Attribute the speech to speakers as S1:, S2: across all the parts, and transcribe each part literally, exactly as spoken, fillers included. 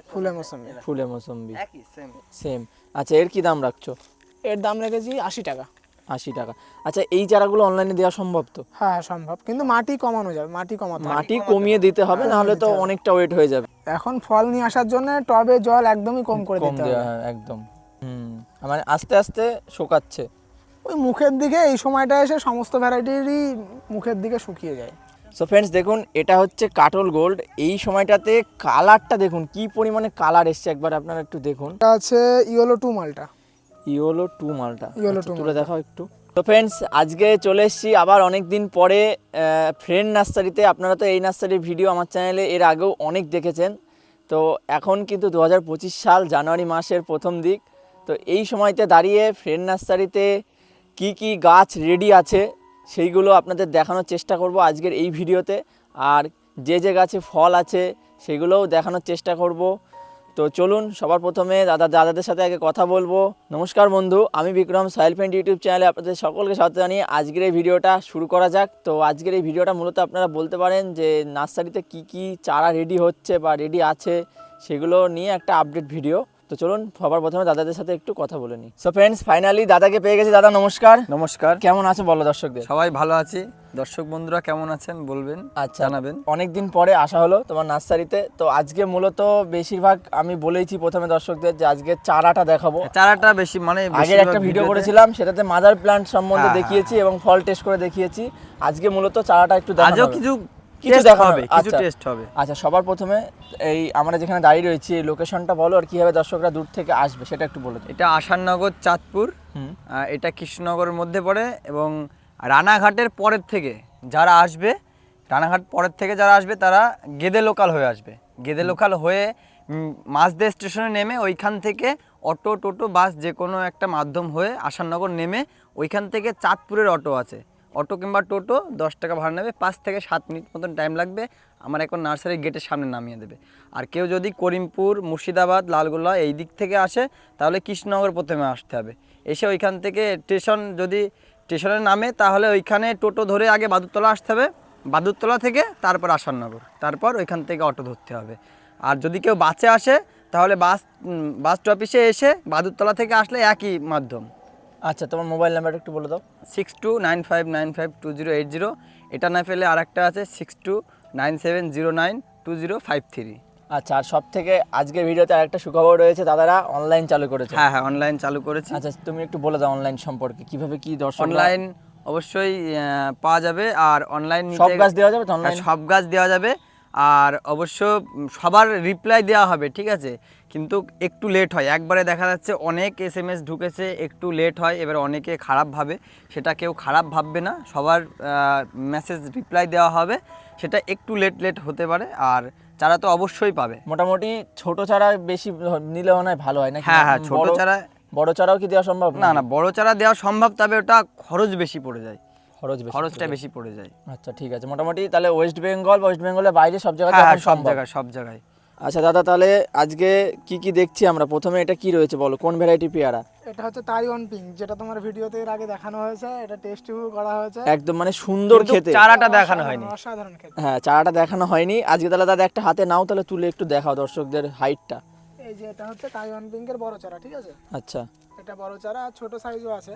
S1: ফুলে মৌসুমি
S2: ফুলে মৌসুমি
S3: একই সেম
S2: সেম। আচ্ছা, এর কি দাম রাখছো?
S1: এর দাম রেখেছি আশি টাকা।
S2: আশি টাকা। আচ্ছা, এই চারাগুলো অনলাইনে দেওয়া সম্ভব তো?
S1: হ্যাঁ হ্যাঁ সম্ভব, কিন্তু মাটি কমানো যাবে, মাটি কমাতে হবে।
S2: মাটি কমিয়ে দিতে হবে, না হলে তো অনেকটা ওয়েট হয়ে যাবে।
S1: এখন ফল নিয়ে আসার জন্য টবে জল একদমই কম করে
S2: কম
S1: দিতে
S2: দেওয়া
S1: হবে।
S2: হয় একদম। হুম, মানে আস্তে আস্তে শোকাচ্ছে।
S1: ওই মুখের দিকে এই সময়টা এসে সমস্ত ভ্যারাইটিরই মুখের দিকে শুকিয়ে যায়।
S2: সো ফ্রেন্ডস, দেখুন এটা হচ্ছে কাটল গোল্ড। এই সময়টাতে কালারটা দেখুন কি পরিমাণে কালার এসছে, একবার আপনারা একটু দেখুন।
S1: এটা আছে ইয়েলো টু মালটা।
S2: ইয়েলো টু মালটা
S1: ইয়েলো
S2: আচ্ছা,
S1: টু
S2: তুলে দেখাও একটু। তো ফ্রেন্ডস, আজকে চলে এসেছি আবার অনেক দিন পরে ফ্রেন্ড নার্সারিতে। আপনারা তো এই নার্সারির ভিডিও আমার চ্যানেলে এর আগেও অনেক দেখেছেন। তো এখন কিন্তু দু হাজার পঁচিশ সাল জানুয়ারি মাসের প্রথম দিক। তো এই সময়তে দাঁড়িয়ে ফ্রেন্ড নার্সারিতে কি কি গাছ রেডি আছে সেইগুলো আপনাদের দেখানোর চেষ্টা করব আজকের এই ভিডিওতে। আর যে যে গাছে ফল আছে সেগুলোও দেখানোর চেষ্টা করব। তো চলুন সবার প্রথমে দাদা দাদাদের সাথে আগে কথা বলবো। নমস্কার বন্ধু, আমি বিক্রম, সয়েল পেইন্ট ইউটিউব চ্যানেলে আপনাদের সকলকে স্বাগত জানিয়ে আজকের এই ভিডিওটা শুরু করা যাক। তো আজকের এই ভিডিওটা মূলত আপনারা বলতে পারেন যে নার্সারিতে কি কি চারা রেডি হচ্ছে বা রেডি আছে সেগুলো নিয়ে একটা আপডেট ভিডিও। তো চলুন সবার প্রথমে দাদাদের সাথে একটু কথা বলে নিই। সো ফ্রেন্ডস, ফাইনালি দাদাকে পেয়ে গেছি। দাদা নমস্কার।
S3: নমস্কার।
S2: কেমন আছো বলো দর্শকদের?
S3: সবাই ভালো আছি। দর্শক বন্ধুরা কেমন আছেন বলবেন,
S2: আচ্ছা,
S3: জানাবেন।
S2: অনেকদিন পরে আসা হলো তোমার নার্সারিতে। তো আজকে মূলত বেশিরভাগ আমি বলেইছি প্রথমে দর্শকদের যে আজকে চারাটা দেখাবো।
S3: চারাটা বেশি মানে
S2: আগের একটা ভিডিও করেছিলাম, সেটাতে মাদার প্ল্যান্ট সম্বন্ধে
S3: হ্যাঁ,
S2: দেখিয়েছি এবং ফল টেস্ট করে দেখিয়েছি। আজকে মূলত চারাটা একটু দেখানো
S3: আজও
S2: হবে।
S3: কিছু
S2: কিছু
S3: টেস্ট
S2: দেখা
S3: হবে, কিছু টেস্ট হবে।
S2: আচ্ছা, সবার প্রথমে এই আমরা যেখানে দাঁড়িয়ে রয়েছি এই লোকেশনটা বলো, আর কিভাবে দর্শকরা দূর থেকে আসবে সেটা একটু বলো।
S3: এটা আসাননগর চাঁদপুর,
S2: হুম।
S3: আহ, এটা কৃষ্ণনগরের মধ্যে পড়ে এবং রানাঘাটের পরের থেকে যারা আসবে, রানাঘাট পরের থেকে যারা আসবে তারা গেদে লোকাল হয়ে আসবে। গেদে লোকাল হয়ে উম, মাঝদে স্টেশনে নেমে ওইখান থেকে অটো টোটো বাস যে কোনো একটা মাধ্যম হয়ে আসাননগর নেমে ওইখান থেকে চাঁদপুরের অটো আছে, অটো কিংবা টোটো দশ টাকা ভাড়া নেবে, পাঁচ থেকে সাত মিনিট মতন টাইম লাগবে, আমার এখন নার্সারির গেটের সামনে নামিয়ে দেবে। আর কেউ যদি করিমপুর, মুর্শিদাবাদ, লালগোলা এই দিক থেকে আসে তাহলে কৃষ্ণনগর প্রথমে আসতে হবে। এসে ওইখান থেকে স্টেশন যদি স্টেশনে নামে তাহলে ওইখানে টোটো ধরে আগে বাদুরতলা আসতে হবে, বাদুরতলা থেকে তারপর আসাননগর, তারপর ওইখান থেকে অটো ধরতে হবে। আর যদি কেউ বাসে আসে তাহলে বাস বাস স্টপেজে এসে বাদুরতলা থেকে আসলে একই মাধ্যম।
S2: আচ্ছা, তোমার মোবাইল নাম্বারটা একটু বলে দাও।
S3: Six two nine five nine five two zero eight zero, এটা না পেলে আর একটা আছে six two nine seven zero nine two zero five three.
S2: আচ্ছা, আর সব থেকে আজকের ভিডিওতে আরেকটা সুখবর রয়েছে, দাদারা অনলাইন চালু করেছে।
S3: হ্যাঁ হ্যাঁ অনলাইন চালু করেছি।
S2: আচ্ছা, তুমি একটু বলে দাও অনলাইন সম্পর্কে কিভাবে কি দর্শক।
S3: অনলাইন অবশ্যই আহ, পাওয়া যাবে। আর অনলাইন
S2: সব গাছ দেওয়া যাবে তো অনলাইন?
S3: সব গাছ দেওয়া যাবে। আর অবশ্য সবার রিপ্লাই দেওয়া হবে, ঠিক আছে, কিন্তু একটু লেট হয়। একবারে দেখা যাচ্ছে অনেক এস এম এস ঢুকেছে, একটু লেট হয়, এবার অনেকে খারাপ ভাবে, সেটা কেউ খারাপ ভাববে না, সবার মেসেজ রিপ্লাই দেওয়া হবে, সেটা একটু লেট লেট হতে পারে। আর চারা তো অবশ্যই পাবে।
S2: মোটামুটি ছোট চারা বেশি নিলে মনে হয় ভালো হয় না?
S3: হ্যাঁ হ্যাঁ ছোট চারা,
S2: বড় চারাও কি দেওয়া সম্ভব?
S3: না না বড় চারা দেওয়া সম্ভব, তবে ওটা খরচ বেশি পড়ে যায়,
S2: খরচ বেশি,
S3: খরচটা বেশি পড়ে যায়।
S2: আচ্ছা ঠিক আছে, মোটামুটি তাহলে ওয়েস্ট বেঙ্গল ওয়েস্ট বেঙ্গলের বাইরে সব জায়গায়
S3: হ্যাঁ
S2: এখন
S3: সব
S2: সম্ভব?
S3: জায়গায় সব জায়গায়।
S2: আচ্ছা দাদা, তাহলে আজকে কি কি দেখছি আমরা? প্রথমে এটা কি রয়েছে বলো, কোন ভ্যারাইটি পেয়ারা?
S1: এটা হচ্ছে তাইওয়ান পিঙ্ক, যেটা তোমার ভিডিওতে এর আগে দেখানো হয়েছে। এটা টেস্ট করা হয়েছে,
S2: একদম মানে সুন্দর খেতে।
S3: চারাটা দেখানো হয়নি,
S1: অসাধারণ খেতে।
S2: হ্যাঁ, চারাটা দেখানো হয়নি আজকে। তাহলে দাদা একটা হাতে নাও, তাহলে তুলে একটু দেখাও দর্শকদের হাইটটা।
S1: এই যে এটা হচ্ছে তাইওয়ান পিঙ্কের বড় চারা, ঠিক আছে?
S2: আচ্ছা,
S1: এটা বড় চারা, আর ছোট সাইজও আছে।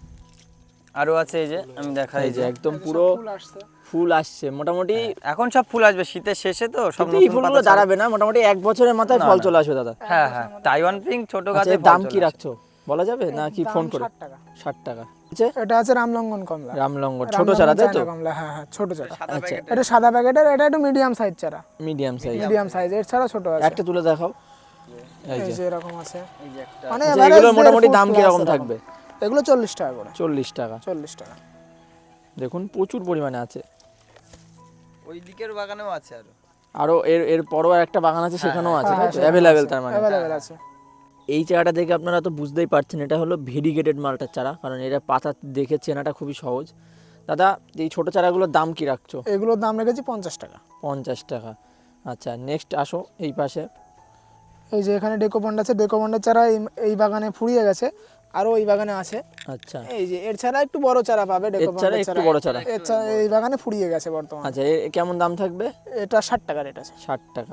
S3: আরো আছে, এই যে আমি দেখাই,
S2: এই যে একদম
S1: এই যে
S2: পুরো
S1: সব ফুল আসছে।
S2: ফুল আসছে মোটামুটি।
S3: এখন সব ফুল আসবে শীতের শেষে, তো সব
S2: কিন্তু এই
S3: নতুন
S2: ফুলগুলো
S3: পাতা
S2: দাঁড়াবে না, মোটামুটি এক বছরের মাথায়
S3: না,
S2: ফল
S3: না।
S2: চলে আসবে দাদা।
S3: হ্যাঁ হ্যাঁ তাইওয়ান পিঙ্ক ছোট
S2: আচ্ছা,
S3: গাছে
S2: এর দাম কি রাখছো বলা যাবে না কি ফোন করে?
S1: ষাট টাকা।
S2: ষাট টাকা। আচ্ছা,
S1: এটা আছে রামলঙ্গন কমলা।
S2: রামলঙ্গন ছোট
S1: রামলঙ্গন
S2: চারা তাই তো?
S1: চায়না কমলা, হ্যাঁ হ্যাঁ ছোট চারা।
S2: আচ্ছা,
S1: এটা সাদা প্যাকেটের, এটা একটু মিডিয়াম সাইজ চারা।
S2: মিডিয়াম সাইজ,
S1: মিডিয়াম সাইজ, এর ছাড়া ছোট আছে।
S2: একটা তুলে দেখাও। এই
S1: এই
S2: যে
S1: যে এরকম আছে,
S3: এই যে একটা
S1: মানে
S2: আচ্ছা,
S1: average
S2: এগুলোর
S1: দেড়
S2: মোটামুটি
S1: ফুট
S2: দাম
S1: plus
S2: কি রকম
S1: এরকম।
S2: থাকবে?
S1: এগুলো চল্লিশ টাকা করে।
S2: চল্লিশ টাকা।
S1: চল্লিশ টাকা।
S2: দেখুন প্রচুর পরিমাণে আছে।
S3: ওই দিকের বাগানেও আছে আরো।
S2: আরো এর এর পরও একটা বাগান আছে, সেখানেও আছে
S1: হ্যাঁ, সেখানে
S2: অ্যাভেলেবেল।
S1: আছে,
S2: তার মানে
S1: available আছে।
S2: এই চারাটা দেখে আপনারা তো বুঝতেই পারছেন এটা হলো ভেরিগেটেড মালটার চারা, কারণ এটা পাতা দেখে চেনাটা খুবই সহজ। দাদা, এই ছোট চারাগুলোর দাম কি রাখছো?
S1: এগুলোর দাম রেখেছি পঞ্চাশ টাকা।
S2: পঞ্চাশ টাকা। আচ্ছা, নেক্সট আসো এই পাশে।
S1: এই যে এখানে ডেকোপন্ড আছে, ডেকোপন্ডের চারা এই- এই বাগানে ফুরিয়ে গেছে, আরো ওই বাগানে আছে।
S2: আচ্ছা,
S1: এই যে এর ছাড়া একটু বড় চারা পাবে,
S2: এর ছাড়া
S1: ডেকোপন্ডের
S2: একটু
S1: চারা
S2: বড় চারা।
S1: এর ছাড়া এই বাগানে ফুরিয়ে গেছে বর্তমানে।
S2: আচ্ছা, এর কেমন দাম থাকবে?
S1: এটা ষাট টাকা রেট আছে।
S2: ষাট টাকা।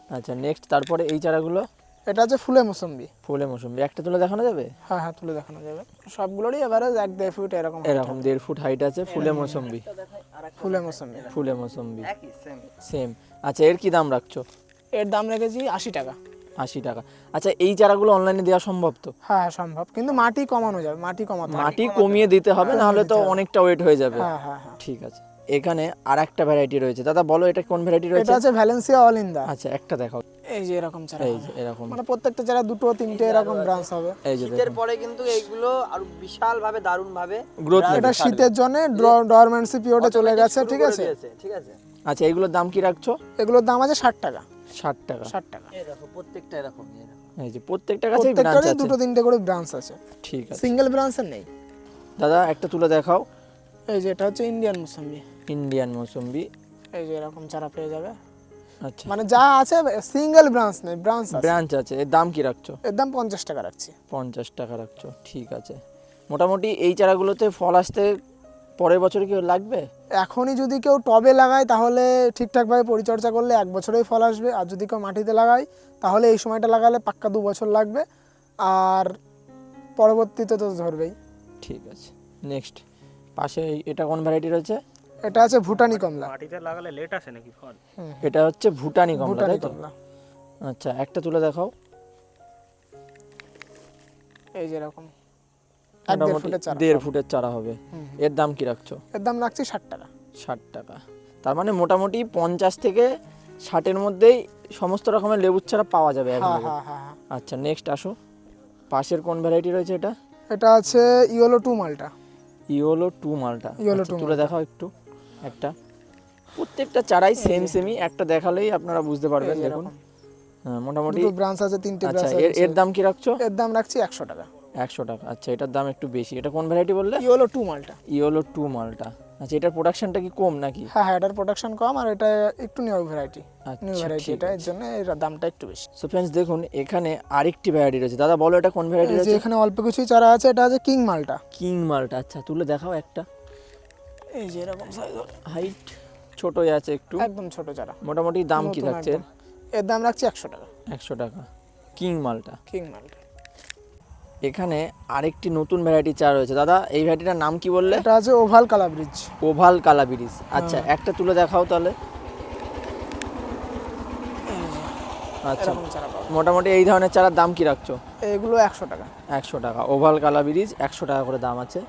S2: আচ্ছা নেক্সট, তারপরে এই চারাগুলো
S1: এটা হচ্ছে ফুলে মোসম্বি।
S2: ফুলে মৌসুমি, একটা তুলে দেখানো যাবে?
S1: হ্যাঁ হ্যাঁ তুলে দেখানো যাবে, সবগুলোরই এভারেজ এক দেড় ফুট এরকম height
S2: এরকম
S1: হবে।
S2: দেড় ফুট হাইট আছে, ফুলে মৌসুমি।
S1: ফুলে মোসম্বি।
S2: ফুলে মৌসুমি
S3: একই সেম।
S2: সেম। আচ্ছা এর কি দাম রাখছো?
S1: এর দাম রেখেছি আশি টাকা।
S2: আশি টাকা। আচ্ছা এই চারাগুলো অনলাইনে দেওয়া সম্ভব তো?
S1: হ্যাঁ হ্যাঁ সম্ভব, কিন্তু মাটি কমানো যাবে, মাটি কমাতে হবে।
S2: মাটি কমিয়ে দিতে হবে, না হলে তো অনেকটা ওয়েট হয়ে যাবে।
S1: হ্যাঁ হ্যাঁ হ্যাঁ।
S2: ঠিক আছে, এখানে আর একটা ভ্যারাইটি রয়েছে। দাদা বলো এটা কোন ভ্যারাইটি রয়েছে?
S1: এটা হচ্ছে ভ্যালেন্সিয়া অল ইন্দা।
S2: আচ্ছা একটা দেখাও।
S1: এই যে এরকম চারা
S2: এই
S1: হবে।
S2: যে এরকম,
S1: মানে প্রত্যেকটা চারা দুটো তিনটে এরকম ব্রাঞ্চ হবে।
S2: এই যে
S3: শীতের পরে কিন্তু এইগুলো আরো বিশাল ভাবে দারুণ ভাবে
S2: গ্রোথ
S1: এটা শীতের জন্য ডরমেন্সি পিরিয়ডে চলে গেছে, ঠিক আছে।
S3: ঠিক আছে।
S2: আচ্ছা এগুলোর দাম কি রাখছো?
S1: এগুলোর দাম আছে ষাট টাকা।
S2: ষাট টাকা।
S1: ষাট টাকা।
S3: এই দেখো প্রত্যেকটা এরকম এরকম।
S2: এই যে প্রত্যেকটা গাছেই ব্রাঞ্চ
S1: প্রত্যেকটারই
S2: আছে।
S1: দুটো তিনটে করে ব্রাঞ্চ আছে,
S2: ঠিক আছে
S1: সিঙ্গেল ব্রাঞ্চের নেই।
S2: দাদা একটা তুলে দেখাও।
S1: এই যে এটা হচ্ছে ইন্ডিয়ান মোসম্বি।
S2: ইন্ডিয়ান মৌসুম্বি।
S1: এই যে এরকম চারা পেয়ে যাবে,
S2: আচ্ছা
S1: মানে যা আছে সিঙ্গেল ব্রাঞ্চ নেই, ব্রাঞ্চ আছে।
S2: ব্রাঞ্চ আছে। এর দাম কি রাখছো?
S1: এর দাম পঞ্চাশ টাকা রাখছি।
S2: পঞ্চাশ টাকা রাখছো, ঠিক আছে। মোটামুটি এই চারাগুলোতে ফল আসতে পরের বছর কি লাগবে?
S1: এখনই যদি কেউ টবে লাগায় তাহলে ঠিকঠাকভাবে পরিচর্যা করলে এক বছরেই ফল আসবে, আর যদি কেউ মাটিতে লাগায় তাহলে এই সময়টা লাগালে পাক্কা দু বছর লাগবে, আর পরবর্তীতে তো ধরবেই।
S2: ঠিক আছে নেক্সট, পাশে এই- এটা কোন ভ্যারাইটি রয়েছে?
S1: এটা আছে ভুটানি কমলা।
S4: মাটিতে লাগালে লেট আসে নাকি ফল?
S2: এটা হচ্ছে ভুটানি কমলা,
S1: ভুটানি
S2: তাই তো?
S1: কমলা।
S2: আচ্ছা একটা তুলে দেখাও।
S1: এই যে এরকম এক দেড়
S2: মোটামুটি
S1: ফুটের চারা।
S2: দেড় ফুটের চারা হবে। এর দাম কি রাখছো?
S1: এর দাম রাখছি ষাট টাকা।
S2: ষাট টাকা। তার মানে মোটামুটি পঞ্চাশ থেকে ষাটের মধ্যেই সমস্ত রকমের লেবুর চারা পাওয়া যাবে
S1: হ্যাঁ
S2: available।
S1: হ্যাঁ হ্যাঁ হ্যাঁ।
S2: আচ্ছা নেক্সট আসো, পাশের কোন ভ্যারাইটি রয়েছে এটা?
S1: এটা আছে ইয়েলো টু মালটা।
S2: ইয়োলো টু মালটা।
S1: ইয়োলো
S2: আচ্ছা,
S1: টু
S2: তুলে দেখাও একটু একটা। প্রত্যেকটা চারাই সেম সেমই, একটা দেখালেই আপনারা বুঝতে পারবেন।
S1: এই যে
S2: দেখুন
S1: এরকম।
S2: হ্যাঁ, মোটামুটি।
S1: দুটো ব্রাঞ্চ আছে, তিনটে
S2: আচ্ছা
S1: ব্রাঞ্চ
S2: এর
S1: আছে।
S2: এর দাম কি রাখছো?
S1: এর দাম রাখছি একশো টাকা।
S2: একশো টাকা। আচ্ছা এটার দাম একটু বেশি। এটা কোন ভ্যারাইটি বললে?
S1: ইয়েলো টু মালটা।
S2: ইয়োলো টু মালটা। আচ্ছা এটার প্রোডাকশনটা কি কম নাকি?
S1: হ্যাঁ হ্যাঁ, এটার প্রোডাকশন কম, আর এটা একটু নিউ ভ্যারাইটি। নিউ
S2: আচ্ছা
S1: ভ্যারাইটি
S2: ঠিক
S1: এটা, এর জন্য এর দামটা একটু বেশি।
S2: সো ফ্রেন্ডস দেখুন এখানে আরেকটি ভ্যারাইটি রয়েছে। দাদা বলো এটা কোন ভ্যারাইটি
S1: এই যে
S2: রয়েছে?
S1: এখানে অল্প কিছুই চারা আছে, এটা আছে কিং মালটা।
S2: কিং মালটা। আচ্ছা তুলে দেখাও একটা।
S1: এই যে এরকম সাইজ,
S2: হাইট ছোটই আছে একটু,
S1: একদম ছোট চারা।
S2: মোটামুটি দাম কি
S1: নতুন
S2: থাকছে?
S1: একদম। এর দাম রাখছি একশো টাকা।
S2: একশো টাকা কিং মালটা।
S1: কিং মালটা।
S2: এখানে আরেকটি নতুন ভ্যারাইটি চা রয়েছে। দাদা এই ভ্যারাইটিটার নাম কি বললে?
S1: এটা আছে ওভাল কালাব্রিজ।
S2: ওভাল কালাবিরিজ। আচ্ছা একটা তুলে দেখাও তাহলে। আচ্ছা
S1: এরকম চারা পাবো।
S2: মোটামুটি এই ধরনের চারার দাম কি রাখছো?
S1: এগুলো একশো টাকা।
S2: একশো টাকা। ওভাল কালাবিরিজ একশো টাকা করে দাম আছে।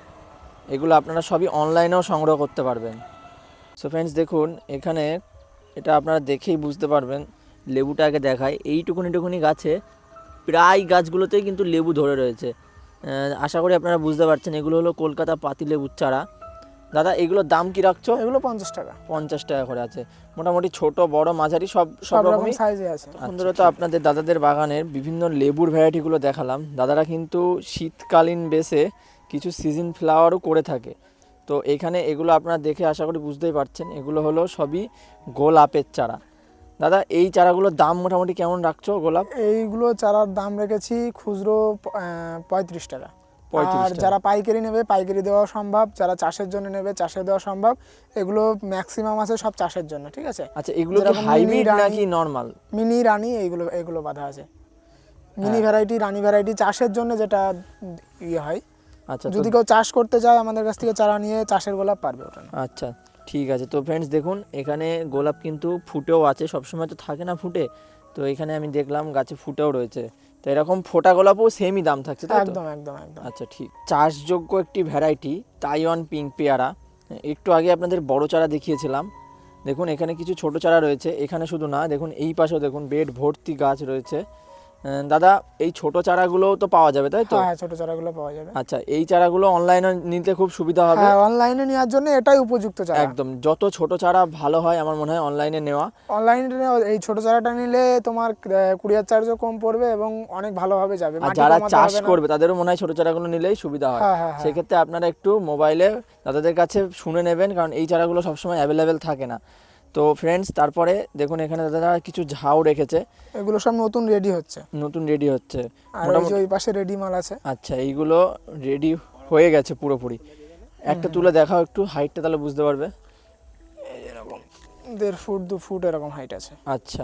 S2: এগুলো আপনারা সবই অনলাইনেও সংগ্রহ করতে পারবেন। সো ফ্রেন্ডস দেখুন এখানে এটা আপনারা দেখেই বুঝতে পারবেন। লেবুটা আগে দেখায়, এইটুকুনি টুকুনি গাছে প্রায় গাছগুলোতেই কিন্তু লেবু ধরে রয়েছে। আহ, আশা করি আপনারা বুঝতে পারছেন এগুলো হলো কলকাতা পাতি লেবুর চারা। দাদা এগুলোর দাম কি রাখছো?
S1: এগুলো পঞ্চাশ টাকা।
S2: পঞ্চাশ টাকা করে আছে। মোটামুটি ছোট বড় মাঝারি সব সব
S1: সব রকম
S2: রকমই।
S1: সাইজে আছে।
S2: বন্ধুরা তো আপনাদের দাদাদের বাগানের বিভিন্ন লেবুর ভ্যারাইটিগুলো দেখালাম। দাদারা কিন্তু শীতকালীন বেসে কিছু সিজন ফ্লাওয়ারও করে থাকে। তো এখানে এগুলো আপনারা দেখে আশা করি বুঝতেই পারছেন এগুলো হলো সবই গোলাপের চারা। দাদা এই চারাগুলোর দাম মোটামুটি কেমন রাখছো? গোলাপ
S1: এইগুলো চারার দাম রেখেছি খুচরো পঁয়ত্রিশ টাকা।
S2: পঁয়ত্রিশ
S1: আর
S2: টাকা।
S1: যারা পাইকারি নেবে পাইকারি দেওয়া সম্ভব, যারা চাষের জন্য নেবে চাষে দেওয়া সম্ভব। এগুলো ম্যাক্সিমাম আছে সব চাষের জন্য, ঠিক আছে।
S2: আচ্ছা এগুলো কি
S1: যেরকম মিনি
S2: হাইব্রিড
S1: রানী-
S2: নাকি নর্মাল?
S1: মিনি রানী এইগুলো এইগুলো বাঁধা আছে। মিনি
S2: হ্যাঁ।
S1: ভ্যারাইটি, রানী ভ্যারাইটি চাষের জন্য যেটা ইয়ে হয়।
S2: আচ্ছা তো-
S1: যদি কেউ চাষ করতে চায় আমাদের কাছ থেকে চারা নিয়ে চাষের গোলাপ পারবে ওটা না।
S2: আচ্ছা ঠিক আছে। তো ফ্রেন্ডস দেখুন এখানে গোলাপ কিন্তু ফুটেও আছে, সবসময় তো থাকে না ফুটে। তো এখানে আমি দেখলাম গাছে ফুটেও রয়েছে। তো এরকম ফোটা গোলাপও সেমই দাম থাকছে তাই তো?
S1: একদম একদম একদম।
S2: আচ্ছা ঠিক। চাষযোগ্য একটি ভ্যারাইটি তাইওয়ান পিঙ্ক পেয়ারা। একটু আগে আপনাদের বড় চারা দেখিয়েছিলাম। দেখুন এখানে কিছু ছোট চারা রয়েছে। এখানে শুধু না, দেখুন এই পাশেও দেখুন বেড ভর্তি গাছ রয়েছে। আহ, দাদা এই ছোট চারাগুলোও তো পাওয়া যাবে তাই তো?
S1: হ্যাঁ ছোট চারাগুলো পাওয়া যাবে।
S2: আচ্ছা এই চারাগুলো অনলাইনে নিতে খুব সুবিধা হবে।
S1: হ্যাঁ অনলাইনে নেওয়ার জন্য এটাই উপযুক্ত চারা।
S2: একদম যত ছোট চারা ভালো হয় আমার মনে হয় অনলাইনে নেওয়া।
S1: অনলাইনে এই ছোট চারাটা নিলে তোমার কুরিয়ার চার্জও কম পড়বে এবং অনেক ভালোভাবে যাবে।
S2: আর
S1: মাটি
S2: যারা
S1: কমাতে
S2: চাষ
S1: হবে না।
S2: করবে তাদেরও মনে হয় ছোট চারাগুলো নিলেই সুবিধা হয়।
S1: হ্যাঁ, হ্যাঁ, হ্যাঁ।
S2: সেক্ষেত্রে আপনারা একটু মোবাইলে দাদাদের কাছে শুনে নেবেন, কারণ এই চারাগুলো সবসময় অ্যাভেলেবেল থাকে না। তো ফ্রেন্ডস তারপরে দেখুন এখানে দাদারা কিছু ঝাউ রেখেছে,
S1: এগুলো সব নতুন রেডি হচ্ছে।
S2: নতুন রেডি হচ্ছে
S1: আর ওই যে ওই পাশে রেডি মাল আছে।
S2: আচ্ছা এইগুলো রেডি হয়ে গেছে পুরোপুরি। একটা তুলে দেখাও একটু, হাইটটা তাহলে বুঝতে পারবে।
S1: এরকম দেড় ফুট দু ফুট এরকম হাইট আছে।
S2: আচ্ছা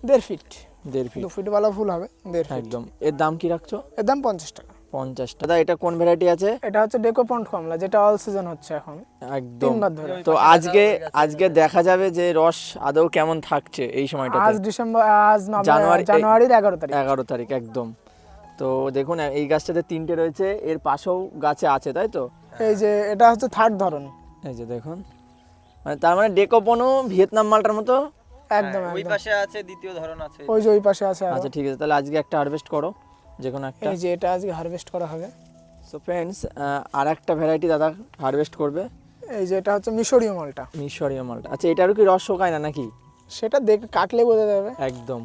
S1: দেড় ফিট
S2: দেড় ফিট
S1: দু ফিট বালা ফুল হবে দেড় ফিট
S2: একদম। এর দাম কি রাখছো?
S1: এর দাম পঞ্চাশ টাকা।
S2: পঞ্চাশ টাকা। দাদা এটা কোন ভ্যারাইটি আছে?
S1: এটা হচ্ছে ডেকোপন্ট কমলা, যেটা অল সিজন হচ্ছে এখন
S2: একদম।
S1: তিনবার ধরে।
S2: তো আজকে আজকে দেখা যাবে যে রস আদৌ কেমন থাকছে এই সময়টাতে।
S1: আজ ডিসেম্বর আজ
S2: জানুয়ারি-
S1: জানুয়ারি জানুয়ারির এগারো তারিখ
S2: এগারো তারিখ একদম। তো দেখুন এই গাছটাতে তিনটে রয়েছে, এর পাশেও গাছে আছে তাই তো?
S1: এই যে এটা হচ্ছে থার্ড ধরন।
S2: এই যে দেখুন, মানে তার মানে ডেকোপনও ভিয়েতনাম মালটার মতো।
S1: একদম
S3: ওই
S1: একদম।
S3: পাশে আছে দ্বিতীয় ধরন আছে।
S1: ওই যে ওই পাশে আছে আরো।
S2: আচ্ছা ঠিক আছে, তাহলে আজকে একটা হারভেস্ট করো যে কোনো একটা।
S1: এই যে এটা আজকে হারভেস্ট করা হবে।
S2: সো ফ্রেন্ডস, আর একটা ভ্যারাইটি দাদা হারভেস্ট করবে,
S1: এই যে এটা হচ্ছে মিশরীয় মালটা।
S2: মিশরীয় মালটা। আচ্ছা এটারও কি রস শোকায় না নাকি?
S1: সেটা দেখ কাটলে বোঝা যাবে।
S2: একদম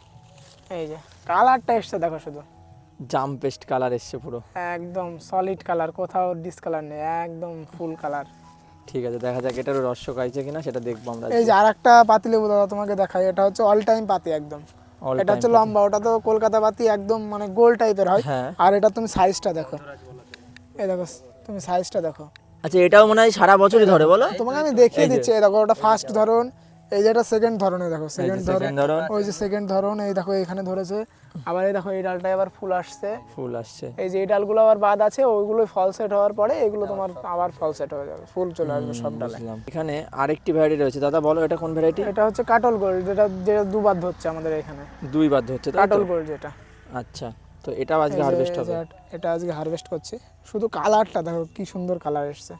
S1: এই যে কালারটা এসছে দেখো শুধু,
S2: জাম পেস্ট কালার এসছে পুরো।
S1: একদম সলিড কালার, কোথাও ডিসকালার নেই, একদম ফুল কালার।
S2: ঠিক আছে, দেখা যাক এটারও রস শোকাইছে কিনা সেটা দেখবো আমরা।
S1: এই যে আরেকটা পাতিলেবু দাদা তোমাকে দেখাই, এটা হচ্ছে অল টাইম পাতি একদম।
S2: All
S1: এটা হচ্ছে
S2: time
S1: লম্বা, ওটা তো কলকাতা পাতি একদম মানে গোল টাইপের হয়।
S2: হ্যাঁ।
S1: আর এটা তুমি সাইজটা দেখো, এই দেখো তুমি সাইজটা দেখো।
S2: আচ্ছা এটাও মনে হয় সারা বছরই ধরে বলো?
S1: তোমাকে আমি দেখিয়ে দিচ্ছি, এই দেখো ওটা ফার্স্ট ধরন, এই যে এটা সেকেন্ড ধরনে দেখো, সেকেন্ড ধরন,
S2: second ধরন।
S1: ওই যে সেকেন্ড ধরন, এই দেখো এখানে ধরেছে। আবার এই দেখো এই ডালটায় আবার ফুল আসছে।
S2: ফুল আসছে।
S1: এই যে এই ডালগুলো আবার বাদ আছে, ওইগুলো ফল সেট হওয়ার পরে এগুলো তোমার আবার ফল সেট হয়ে যাবে, ফুল চলে আসবে সব ডালে।
S2: বুঝলাম। এখানে আরেকটি ভ্যারাইটি রয়েছে দাদা, বলো এটা কোন ভ্যারাইটি?
S1: এটা হচ্ছে কাটল গোল্ড, যেটা যেটা দুবার ধরছে আমাদের এখানে,
S2: দুই বাদ হচ্ছে তাই তো?
S1: কাটল গোল্ড যেটা।
S2: আচ্ছা, তো এটাও আজকে
S1: এই যে-
S2: হারভেস্ট
S1: এই
S2: হবে
S1: যে এটা আজকে হারভেস্ট করছি, শুধু কালারটা দেখো কি সুন্দর কালার এসছে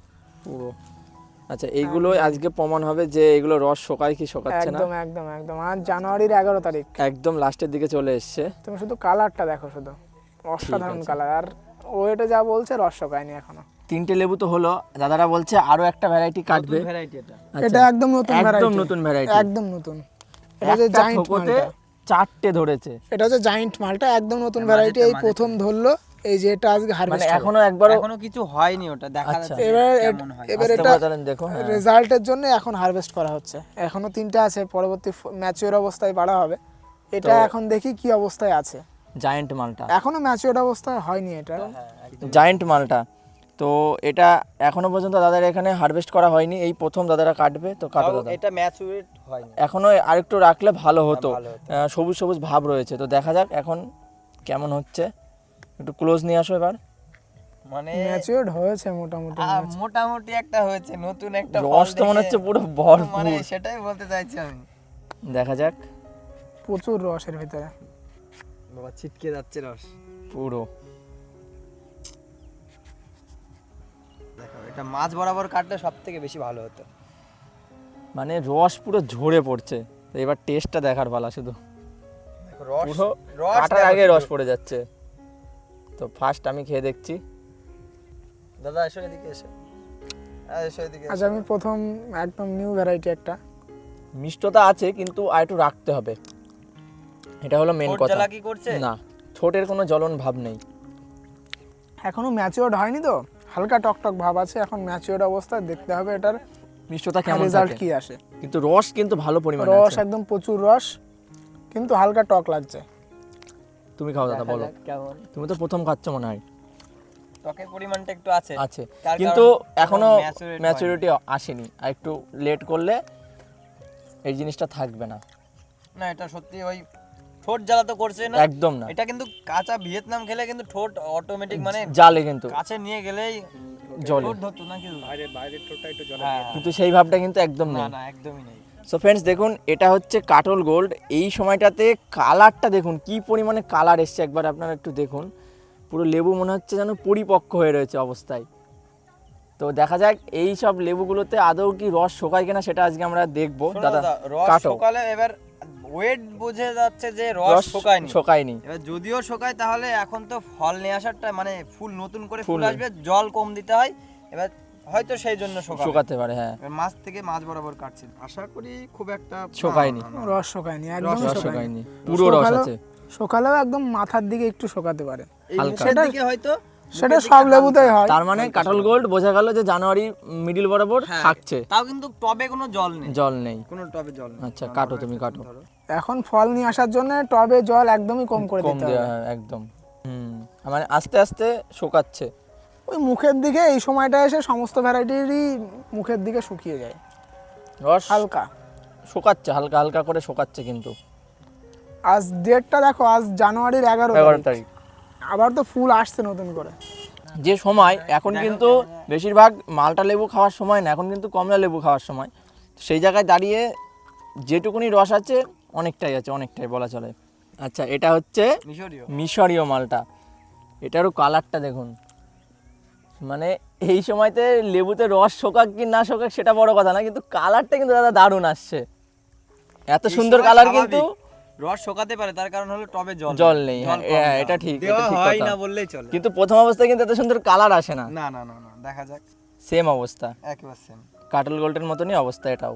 S2: পুরো। আচ্ছা এইগুলো আজকে প্রমাণ হবে যে এগুলো রস শোকায় কি শোকাচ্ছে না।
S1: একদম একদম একদম। আজ জানুয়ারির এগারো তারিখ,
S2: একদম লাস্টের দিকে চলে এসছে।
S1: তুমি শুধু কালারটা দেখো, শুধু অসাধারণ কালার। আর ওয়েটে যা বলছে রস শোকায়নি এখনো।
S2: তিনটে লেবু তো হলো, দাদারা বলছে আরো একটা ভ্যারাইটি কাটবে।
S3: ভ্যারাইটি এটা।
S2: আচ্ছা,
S1: এটা একদম নতুন
S2: একদম
S1: ভ্যারাইটি,
S2: নতুন ভ্যারাইটি।
S1: একদম নতুন। এটা যে
S2: একটা
S1: জায়ান্ট
S2: থোকোতে
S1: মালটা,
S2: চারটে ধরেছে।
S1: এটা হচ্ছে জায়ান্ট মালটা, একদম নতুন ভ্যারাইটি, এই প্রথম ধরলো। এই যে এটা আজকে
S2: মানে
S1: হারভেস্ট
S2: এখনো একবারও
S3: এখনো কিছু হয়নি, ওটা দেখা
S2: আচ্ছা।
S3: যাচ্ছে
S1: এবার
S3: কেমন হয়।
S1: এবার
S2: আস্তে
S1: এটা
S2: করে তাহলে দেখো। হ্যাঁ।
S1: রেজাল্টের জন্য এখন হারভেস্ট করা হচ্ছে, এখনো তিনটা আছে, পরবর্তী ম্যাচিওর অবস্থায় বাড়া হবে। এটা
S2: তো-
S1: এখন দেখি কি অবস্থায় আছে,
S2: জায়ান্ট মালটা,
S1: এখনো ম্যাচিওর অবস্থায় হয়নি এটা।
S2: জায়ান্ট মালটা। তো এটা এখনো পর্যন্ত দাদার এখানে হারভেস্ট করা হয়নি, এই প্রথম দাদারা কাটবে। তো কাটো
S3: তাও
S2: দাদা,
S3: এটা ম্যাচুরেট হয়নি।
S2: এখনো আরেকটু রাখলে ভালো হতো।
S3: ভালো হতো।
S2: আহ, সবুজ সবুজ ভাব রয়েছে, তো দেখা যাক এখন কেমন হচ্ছে। একটু ক্লোজ নিয়ে আসো এবার।
S3: মানে
S1: ম্যাচিওর হয়েছে মোটামুটি,
S3: আহ, মোটামুটি একটা হয়েছে, নতুন একটা ফল
S2: রস তো মনে
S3: দেখে-
S2: হচ্ছে পুরো ভরপুর।
S3: মানে সেটাই বলতে চাইছি আমি।
S2: দেখা যাক।
S1: প্রচুর রসের ভিতরে।
S3: বাবা ছিটকে যাচ্ছে রস।
S2: পুরো
S3: দেখো এটা মাছ বরাবর কাটলে সব থেকে বেশি ভালো হতো।
S2: মানে রস পুরো ঝরে পড়ছে। তো এবার টেস্টটা দেখার পালা শুধু।
S3: দেখো রস
S2: পুরো
S3: রস
S2: কাটার
S3: দেখো
S2: আগে
S3: শুধু।
S2: রস পড়ে যাচ্ছে। তো ফার্স্ট আমি খেয়ে দেখছি।
S3: দাদা এসো এদিকে এসো, হ্যাঁ এসো এদিকে
S1: আজ
S3: এসো।
S1: আমি প্রথম একদম নিউ ভ্যারাইটি একটা।
S2: মিষ্টতা আছে কিন্তু আর একটু রাখতে হবে, এটা হলো মেন
S3: ঠোঁট
S2: কথা।
S3: জ্বালা কি করছে?
S2: না, ঠোঁটের কোনো জ্বলন ভাব নেই।
S1: এখনো ম্যাচিওর হয়নি তো, হালকা টকটক ভাব আছে, এখন ম্যাচিওর অবস্থায় দেখতে হবে এটার
S2: মিষ্টতা কেমন
S1: রেজাল্ট
S2: থাকে।
S1: কি আসে।
S2: কিন্তু রস কিন্তু ভালো পরিমাণে
S1: রস
S2: আছে।
S1: একদম প্রচুর রস, কিন্তু হালকা টক লাগছে।
S2: তুমি খাও দাদা, বলো।
S3: কেমন
S2: তুমি তো প্রথম খাচ্ছ মনে হয়।
S3: টকের পরিমাণটা একটু আছে
S2: আছে,
S3: তার
S2: কিন্তু
S3: কারণ
S2: এখনো
S3: maturate
S2: ম্যাচুরিটি আসেনি। আর একটু লেট করলে এই জিনিসটা থাকবে না।
S3: না এটা সত্যি ওই ঠোঁট জ্বালা তো করছে না
S2: একদম না,
S3: এটা কিন্তু কাঁচা ভিয়েতনাম খেলে কিন্তু ঠোঁট অটোমেটিক মানে
S2: জালে কিন্তু
S3: কাছে নিয়ে গেলেই
S2: জলে,
S3: ঠোঁট ধরতো না কি
S4: বাইরে বাইরের ঠোঁটটা একটু জলে
S3: হ্যাঁ
S2: কিন্তু সেই ভাবটা কিন্তু একদম
S3: না
S2: নেই।
S3: না একদমই নেই।
S2: সো ফ্রেন্ডস দেখুন, এটা হচ্ছে কাটল গোল্ড। এই সময়টাতে কালারটা দেখুন কি পরিমাণে কালার এসছে, একবার আপনারা একটু দেখুন। পুরো লেবু মনে হচ্ছে যেন পরিপক্ক হয়ে রয়েছে অবস্থায়। তো দেখা যাক এই সব লেবুগুলোতে আদৌ কি রস শোকায় কিনা, সেটা আজকে আমরা দেখবো।
S3: শোনো
S2: দাদা
S3: দাদা, রস
S2: কাটো।
S3: শুকালে এবার ওয়েট বোঝা যাচ্ছে যে রস
S2: রস
S3: শুকায়নি।
S2: শোকায়নি।
S3: এবার যদিও শুকায় তাহলে এখন তো ফল নিয়ে আসারটা মানে ফুল নতুন করে
S2: ফুল
S3: ফুল আসবে, জল কম দিতে হয়, এবার হয়তো সেই জন্য শুকাবে।
S2: শোকাতে পারে, হ্যাঁ।
S3: এবার মাছ থেকে মাছ বরাবর কাটছে, আশা করি খুব একটা
S2: শোকায়নি।
S3: না, না, না।
S1: রস শোকায়নি, একদম
S2: রস
S1: শোকায়নি।
S2: শোকায়নি, পুরো রস
S1: শোকালেও-
S2: আছে।
S1: শোকালেও একদম মাথার দিকে একটু শোকাতে পারে,
S3: এই
S2: হালকা।
S3: মুখের দিকে হয়তো
S1: সেটা সব লেবুতেই হয়।
S2: তার মানে কাটল গোল্ড বোঝা গেল যে জানুয়ারি মিডিল বরাবর
S3: হ্যাঁ,
S2: থাকছে,
S3: তাও কিন্তু টবে কোনো জল নেই,
S2: জল নেই।
S3: কোনো টবে জল নেই।
S2: আচ্ছা কাটো, তুমি কাটো।
S1: এখন ফল নিয়ে আসার জন্য টবে জল একদমই কম করে
S2: কম
S1: দিতে
S2: দেওয়া
S1: হবে।
S2: হয় একদম। হুম, মানে আস্তে আস্তে শোকাচ্ছে।
S1: ওই মুখের দিকে এই সময়টা এসে সমস্ত ভ্যারাইটিরই মুখের দিকে শুকিয়ে যায়,
S2: রস
S1: হালকা।
S2: শোকাচ্ছে, হালকা হালকা করে শোকাচ্ছে কিন্তু।
S1: আজ ডেটটা দেখো, আজ জানুয়ারির এগারো
S2: এগারো
S1: তারিখ
S2: তারিখ
S1: আবার তো ফুল আসছে নতুন করে।
S2: যে সময় এখন কিন্তু বেশিরভাগ মালটা লেবু খাওয়ার সময় না, এখন কিন্তু কমলা লেবু খাওয়ার সময়। সেই জায়গায় দাঁড়িয়ে যেটুকুনি রস আছে অনেকটাই আছে, অনেকটাই বলা চলে। আচ্ছা, এটা হচ্ছে
S3: মিশরীয়
S2: মিশরীয় মালটা। এটারও কালারটা দেখুন, মানে এই সময়তে লেবুতে রস শোকাক কি না শোকাক সেটা বড় কথা না, কিন্তু কালারটা কিন্তু দাদা দারুণ আসছে। এত
S3: এই
S2: সুন্দর
S3: সময়
S2: কালার
S3: স্বাভাবিক।
S2: কিন্তু
S3: রস শোকাতে পারে, তার কারণ হলো টবে জল
S2: জল নেই।
S3: জল
S2: হ্যাঁ,
S3: কম
S2: হ্যাঁ,
S3: দেওয়া।
S2: এটা ঠিক, এটা
S3: দেওয়া
S2: ঠিক
S3: হয়
S2: কথা।
S3: না বললেই চলে।
S2: কিন্তু প্রথম অবস্থায় কিন্তু এত সুন্দর কালার আসে না।
S3: না না না না, দেখা যাক।
S2: সেম অবস্থা,
S3: একেবারে সেম।
S2: কাটল গোল্ডের মতনই অবস্থা এটাও।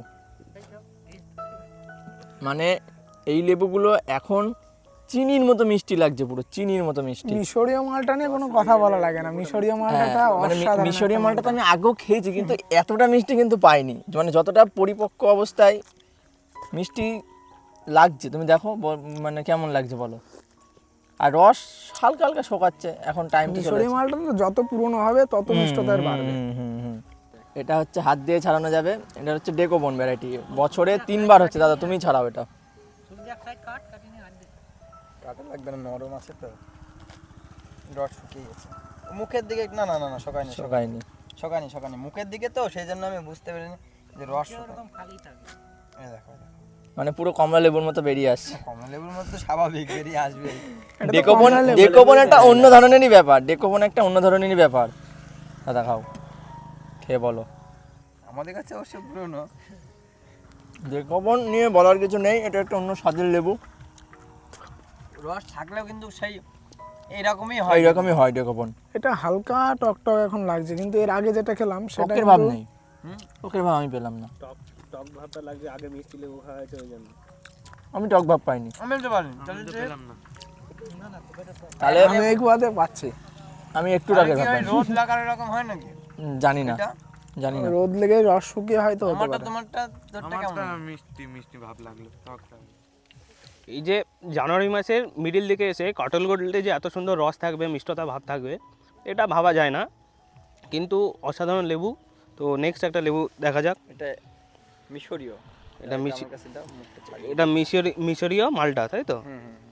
S2: মানে এই লেবুগুলো এখন চিনির মতো মিষ্টি লাগছে, পুরো চিনির মতো মিষ্টি।
S1: মিশরীয় মালটা নিয়ে কোনো কথা বলা লাগে না, মিশরীয় মালটা
S2: হ্যাঁ, মানে মি-
S1: অসাধারণ
S2: মিশরীয়
S1: একটা
S2: মালটা তো আমি আগেও খেয়েছি, কিন্তু এতটা মিষ্টি কিন্তু পাইনি। মানে যতটা পরিপক্ক অবস্থায় মিষ্টি লাগছে, তুমি দেখো ব- মানে কেমন লাগছে বলো। আর রস হালকা হালকা শোকাচ্ছে, এখন টাইম তো চলে
S1: মিশরীয় মালটা তো যত পুরনো হবে তত মিষ্টতা এর বাড়বে।
S2: হুম, হুম, হুম। এটা হচ্ছে হাত দিয়ে ছাড়ানো যাবে। এটা হচ্ছে ডেকোবন ভ্যারাইটি, বছরে তিনবার হচ্ছে। দাদা তুমি ছাড়াও এটা।
S3: কাটা লাগবে না, নরম আছে তো। রস শুকিয়ে গেছে মুখের দিকে। না না না না, শোকায়নি
S2: শোকায়নি।
S3: শোকায়নি শোকায়নি মুখের দিকে তো, সেই জন্য আমি বুঝতে পারিনি যে রস এরকম খালি থাকে। এই দেখো, এই দেখো।
S2: মানে পুরো কমলা লেবুর মতো বেরিয়ে আসছে।
S3: কমলা লেবুর মতো স্বাভাবিক বেরিয়ে আসবে।
S1: এটা তো
S2: ডেকোবন
S1: কমলা লেবু।
S2: ডেকোবন একটা অন্য ধরনেরই ব্যাপার। ডেকোবন একটা অন্য ধরনেরই ব্যাপার। দাদা খাও, খেয়ে বলো।
S3: আমাদের কাছে অবশ্য পুরনো।
S2: ডেকোবন নিয়ে বলার কিছু নেই, এটা একটা অন্য স্বাদের লেবু।
S3: রস থাকলেও কিন্তু সেই এইরকমই হয়।
S2: এইরকমই হয় ডেকোবন।
S1: এটা হালকা টকটক এখন লাগছে, কিন্তু এর আগে যেটা খেলাম সেটা
S2: টকের ভাব
S1: কিন্তু-
S2: নেই, টকের ভাব আমি পেলাম না।
S4: টক টক ভাবটা লাগছে, আগে মিষ্টি লেবু খাওয়া হয়েছে ওই জন্য।
S2: আমি টক ভাব পাইনি।
S3: আমি তো পারিনি, তাহলে যে-
S4: পেলাম না।
S2: তাহলে
S1: আমি এই কুয়াতে পাচ্ছি।
S2: আমি একটু
S3: তাহলে
S2: টকের
S3: কি
S2: ভাব
S3: ওই
S2: পাইনি।
S3: রোদ লাগার এরকম হয় নাকি?
S2: হুম, জানি না,
S3: এটা
S2: জানি না।
S1: রোদ লেগে রস শুকিয়ে হয়তো হতে
S3: আমারটা
S1: পারে।
S3: তোমারটা তোরটা কেমন?
S5: মিষ্টি মিষ্টি ভাব লাগলো টকটা।
S4: এই যে জানুয়ারি মাসের মিডিল দিকে এসে কাটল গোল্ডে যে এত সুন্দর রস থাকবে, মিষ্টতা ভাব থাকবে, এটা ভাবা যায় না। কিন্তু অসাধারণ লেবু। তো নেক্সট একটা লেবু দেখা যাক।
S3: এটা মিশরীয়।
S4: এটা মিশি-
S3: আমার কাছে দাও, মুখটা ছাড়িয়ে।
S4: এটা মিশরি মিশরীয় মালটা, তাই তো?
S3: হুম, হুম, হুম।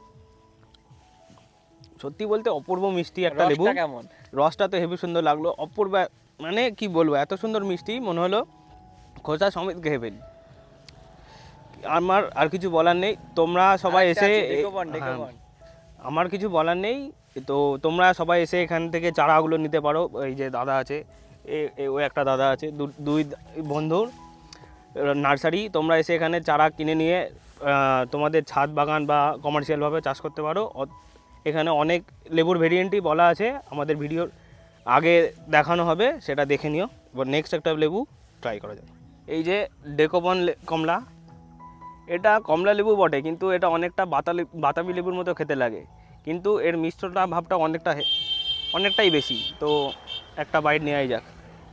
S4: সত্যি বলতে অপূর্ব মিষ্টি একটা লেবু।
S3: রসটা কেমন?
S4: রসটা তো হেবি সুন্দর লাগলো, অপূর্ব। মানে কি বলবো, এত সুন্দর মিষ্টি মনে হলো খোসা সমেত খেয়ে ফেলি। আমার আর কিছু বলার নেই। তোমরা সবাই
S3: আরেকটা
S4: এসে
S3: আছে, ডেকোবন,
S4: হ্যাঁ,
S3: ডেকোবন।
S4: আমার কিছু বলার নেই। তো তোমরা সবাই এসে এখান থেকে চারাগুলো নিতে পারো। এই যে দাদা আছে, এ- এ- ও একটা দাদা আছে, দু- দুই বন্ধুর নার্সারি। তোমরা এসে এখানে চারা কিনে নিয়ে আহ, তোমাদের ছাদ বাগান বা কমার্শিয়ালভাবে চাষ করতে পারো। অ- এখানে অনেক লেবুর ভেরিয়েন্টই বলা আছে, আমাদের ভিডিওর আগে দেখানো হবে, সেটা দেখে নিও। এবার নেক্সট একটা লেবু ট্রাই করা যায়। এই যে ডেকোবন লে- কমলা, এটা কমলা লেবু বটে, কিন্তু এটা অনেকটা বাতালি বাতাবি লেবুর মতো খেতে লাগে, কিন্তু এর মিষ্টতা ভাবটা অনেকটা হে- অনেকটাই বেশি। তো একটা বাইট নেওয়াই যাক।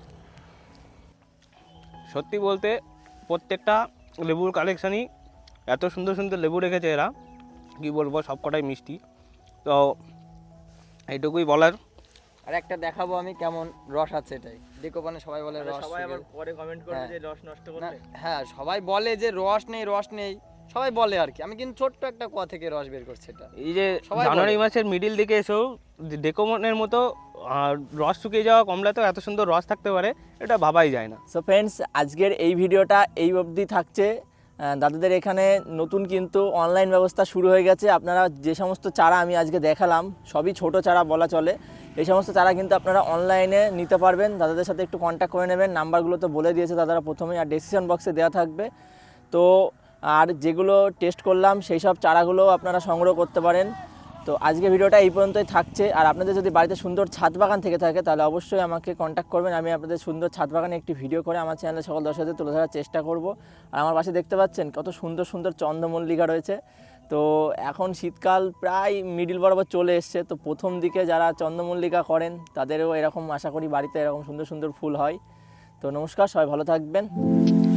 S4: সত্যি বলতে প্রত্যেকটা লেবুর কালেকশানই এত সুন্দর সুন্দর লেবু রেখেছে এরা, কী বলবো, সবকটাই মিষ্টি। তো এইটুকুই বলার।
S3: আর একটা দেখাবো আমি কেমন রস আছে এটাই। ডেকোবনে সবাই বলে রস
S2: সবাই আবার
S3: শুকিয়ে-
S2: পরে কমেন্ট
S3: করবে যে
S2: রস নষ্ট
S3: না, হ্যাঁ সবাই বলে যে রস নেই রস নেই, সবাই বলে আর কি। আমি কিন্তু ছোট্ট একটা কুয়া থেকে রস বের করছি এটা।
S4: এই যে
S3: সবাই
S4: জানুয়ারি
S3: বলে।
S4: মাসের মিডিল দিকে এসেও ডেকোমনের মতো আহ, রস শুকিয়ে যাওয়া কমলাতেও এত সুন্দর রস থাকতে পারে, এটা ভাবাই যায় না।
S2: সো ফ্রেন্ডস, আজকের এই ভিডিওটা এই অবধি থাকছে। আহ, দাদাদের এখানে নতুন কিন্তু অনলাইন ব্যবস্থা শুরু হয়ে গেছে। আপনারা যে সমস্ত চারা আমি আজকে দেখালাম সবই ছোট চারা বলা চলে। এই সমস্ত চারা কিন্তু আপনারা অনলাইনে নিতে পারবেন। দাদাদের সাথে একটু কন্ট্যাক্ট করে নেবেন, নাম্বারগুলো তো বলে দিয়েছে দাদারা প্রথমেই, আর ডিসক্রিপশন বক্সে দেওয়া থাকবে। তো আর যেগুলো টেস্ট করলাম সেই সব চারাগুলো আপনারা সংগ্রহ করতে পারেন। তো আজকে ভিডিওটা এই পর্যন্তই থাকছে। আর আপনাদের যদি বাড়িতে সুন্দর ছাদ বাগান থেকে থাকে তাহলে অবশ্যই আমাকে কন্ট্যাক্ট করবেন। আমি আপনাদের সুন্দর ছাদ বাগানে একটি ভিডিও করে আমার চ্যানেলে সকল দর্শকদের তুলে ধরার চেষ্টা করব। আর আমার পাশে দেখতে পাচ্ছেন কত সুন্দর সুন্দর চন্দ্রমল্লিকা রয়েছে। তো এখন শীতকাল প্রায় মিডিল বরাবর চলে এসছে। তো প্রথম দিকে যারা চন্দ্রমল্লিকা করেন তাদেরও এরকম আশা করি বাড়িতে এরকম সুন্দর সুন্দর ফুল হয়। তো নমস্কার, সবাই ভালো থাকবেন।